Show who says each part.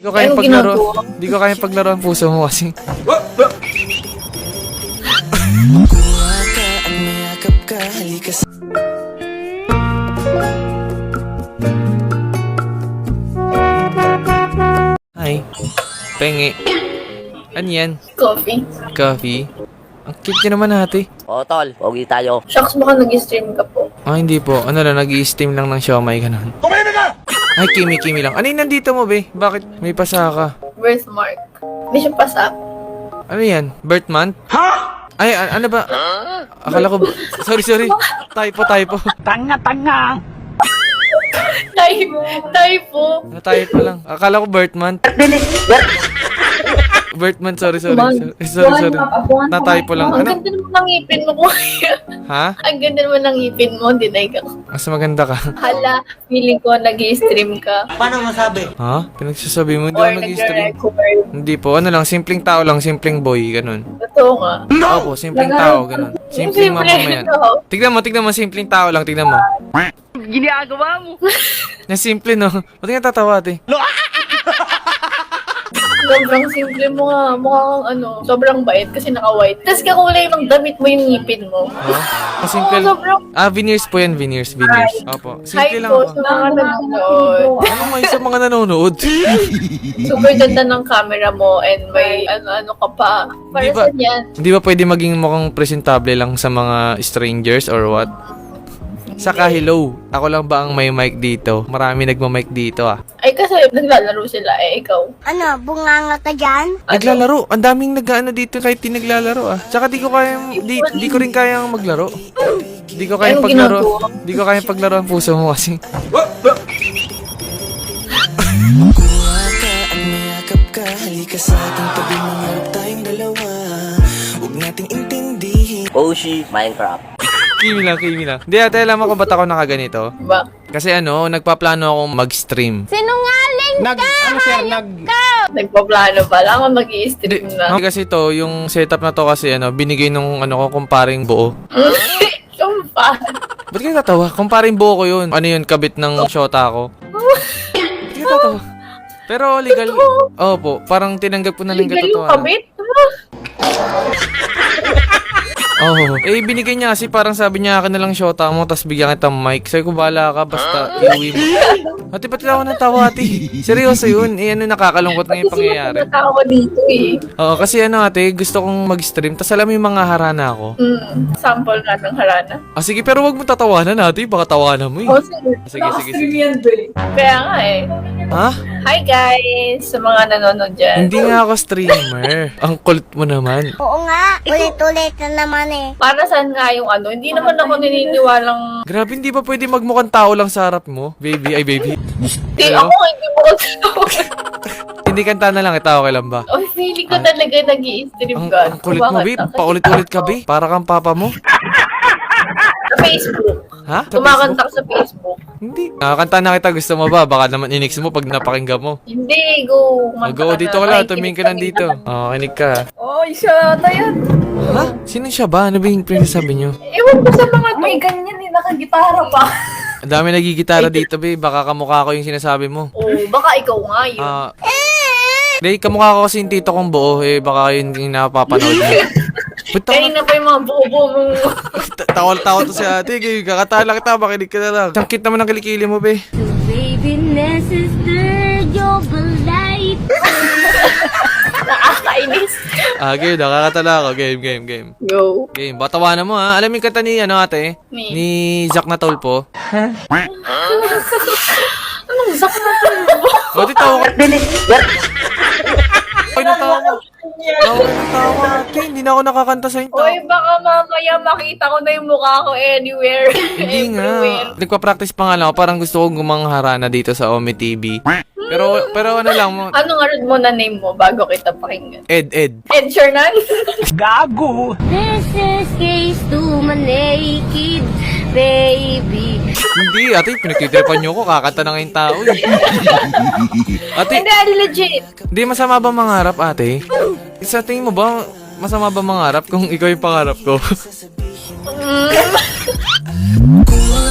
Speaker 1: Di ko kayang paglaro. Di ko kayang paglaro ang puso mo kasi. Hi. Pengi. Ano yan?
Speaker 2: Coffee.
Speaker 1: Coffee? Ang cute niya naman ate.
Speaker 3: Oo, tol. Pogi tayo.
Speaker 2: Shucks, baka nag-stream ka po.
Speaker 1: Ah, hindi po. Ano lang, nag-i-steam lang ng siomay ganun. Kumain na! Ay, kimi lang. Ano yung nandito mo, be? Bakit may pasa ka?
Speaker 2: Birthmark. Hindi siya pasa.
Speaker 1: Ano yan? Birth month? Ha? Ay, ano ba? Akala ko... Sorry. Typo.
Speaker 2: Typo.
Speaker 1: Typo lang. Akala ko birth month. Birth month, sorry. Sorry. Na-typo lang.
Speaker 2: Ang
Speaker 1: Ano?
Speaker 2: ganda naman ng ngipin mo, kuya.
Speaker 1: Ha?
Speaker 2: Ang ganda naman ng ngipin mo, deny ka.
Speaker 1: Mas maganda ka.
Speaker 2: Hala, feeling ko nag-i-stream ka.
Speaker 1: Ha? Pinagsasabi mo, hindi
Speaker 2: Or
Speaker 1: ako nag-stream.
Speaker 2: nag-record.
Speaker 1: Hindi po. Ano lang, simpleng tao lang, simpleng boy, ganun.
Speaker 2: Totoo nga.
Speaker 1: Opo, simpleng tao, ganun. Simpleng mamamayan. Tignan mo, simpleng tao lang, tignan mo.
Speaker 3: Ginagawa mo.
Speaker 1: Na simple, no? Ba't nga tatawa, ate?
Speaker 2: Sobrang simple mo nga. Mukhang sobrang bait kasi naka-white. Tapos kakulay ng damit mo yung ngipin mo.
Speaker 1: Oh? Simple.
Speaker 2: sobrang...
Speaker 1: Veneers po yan, veneers. Opo.
Speaker 2: Hi
Speaker 1: Simple lang
Speaker 2: po
Speaker 1: po.
Speaker 2: sa mga nanonood.
Speaker 1: Ano may sa mga nanonood?
Speaker 2: Super ganda ng camera mo and may ano ka pa. Para
Speaker 1: Di ba-
Speaker 2: saan yan?
Speaker 1: Hindi ba pwede maging mukhang presentable lang sa mga strangers or what? Saka hello, ako lang ba ang may mic dito? Marami nagma-mic dito ah.
Speaker 2: Ay kasi naglalaro sila ikaw.
Speaker 4: Ano, bunganga ka dyan?
Speaker 1: Naglalaro, ang daming nag-ano dito kahit di naglalaro ah. Tsaka di ko rin kayang maglaro. Di ko kayang
Speaker 2: Anong
Speaker 1: paglaro.
Speaker 2: ginagawa?
Speaker 1: Di ko kayang paglaro ang puso mo kasi.
Speaker 3: Oshi, Minecraft.
Speaker 1: Kimi lang. Hindi ate, alam mo kung ba't ako nakaganito?
Speaker 2: Ba?
Speaker 1: Kasi nagpaplano akong mag-stream.
Speaker 4: Sinungaling
Speaker 2: Nagpaplano pa lang mag-i-stream na.
Speaker 1: Kasi to, yung setup na to kasi binigay nung kumparing buo.
Speaker 2: Sumpa.
Speaker 1: Ba't kayo tatawa? Kumparing buo ko yun. Ano yun, kabit ng shota ko. Ba't kayo tatawa? Pero legal. Opo, parang tinanggap ko na lang
Speaker 2: Legal yung
Speaker 1: katotohanan.
Speaker 2: kabit?
Speaker 1: Oo. Binigay niya kasi parang sabi niya akin na lang shota mo tapos bigyan kita mic. Sabi ko bahala ka basta iuwi mo. Ate, pati ako natawa ate. Seryoso yun. Nakakalungkot na yung pangyayari.
Speaker 2: Kasi natawa dito
Speaker 1: Oo, kasi ate, gusto kong mag-stream tapos alam mo yung mga harana ko.
Speaker 2: Sample nga ng harana.
Speaker 1: Sige, pero wag mo tatawanan ate. Baka tawanan mo eh. Sige.
Speaker 2: Kaya nga
Speaker 1: Ha?
Speaker 2: Hi guys! Sa mga nanonood dyan.
Speaker 1: Hindi nga ako streamer. Ang kulit mo naman.
Speaker 4: Oo nga, ulit-ulit na naman eh.
Speaker 2: Para saan nga yung hindi naman ako naniniwalang...
Speaker 1: Grabe, hindi ba pwede magmukhang tao lang sa harap mo? Baby, ay baby.
Speaker 2: Hindi
Speaker 1: Hello?
Speaker 2: ako, hindi mo ko
Speaker 1: Hindi kanta na lang, itawa ka lang ba?
Speaker 2: Oh, feeling ko talaga nag-i-stream
Speaker 1: Ang,
Speaker 2: ka.
Speaker 1: ang kulit mo, babe. Paulit-ulit ka, babe. Para kang papa mo.
Speaker 2: Sa Facebook.
Speaker 1: Ha? Sa
Speaker 2: Kumakanta ka sa Facebook.
Speaker 1: Hindi. Nakakanta na kita. Gusto mo ba? Baka naman inix mo pag napakinggan mo.
Speaker 2: Hindi, go.
Speaker 1: Go, dito ka lang. Tumingin ka lang dito. Kinig ka.
Speaker 2: Oh, siya na yan.
Speaker 1: Ha? Sino siya ba? Ano ba yung pinasabi niyo?
Speaker 2: Ewan ko sa mga may ganyan nakagitara pa.
Speaker 1: Ang dami nagigitara dito, babe. Baka kamukha ko yung sinasabi mo.
Speaker 2: Oh, baka ikaw nga yun.
Speaker 1: Hindi, kamukha ko kasi yung tito kong buo. Baka yun yung napapanood mo. Ba't
Speaker 2: Kanina pa yung mga bubo mong...
Speaker 1: Tawal-tawal to si ate. Kakatahan lang kita. Makinig ka na lang. Ang cute naman ng kilikili mo, be.
Speaker 4: Baby, sister, you're light.
Speaker 2: Nakakainis.
Speaker 1: Game. Nakakatala ako. Game.
Speaker 2: Go.
Speaker 1: Game. Batawanan mo, ha? Alam mo yung kanta ni, ate? Ni Zack Natolpo.
Speaker 2: Anong sak na to?
Speaker 1: Buti tawa ka. Ay, natawa ko. Tawa, ate. Hindi na ako nakakanta sa inyo.
Speaker 2: Oy, baka mamaya makita ko na yung mukha ko anywhere.
Speaker 1: Hindi
Speaker 2: Everywhere.
Speaker 1: nga. Nagpa-practice pa nga lang ako. Parang gusto kong gumangharana dito sa Ome TV. Pero ano lang mo.
Speaker 2: Ano nga rin mo na name mo bago kita pakinggan?
Speaker 1: Ed.
Speaker 2: Ed Sheeran?
Speaker 4: This is case to my naked baby.
Speaker 1: Hindi, ate. Pinagtitripan niyo ko. Kakanta na nga yung tao. Ate,
Speaker 2: Hindi, legit.
Speaker 1: hindi masama ba mangarap, ate? Sa tingin mo ba, masama ba mangarap kung ikaw yung pangarap ko?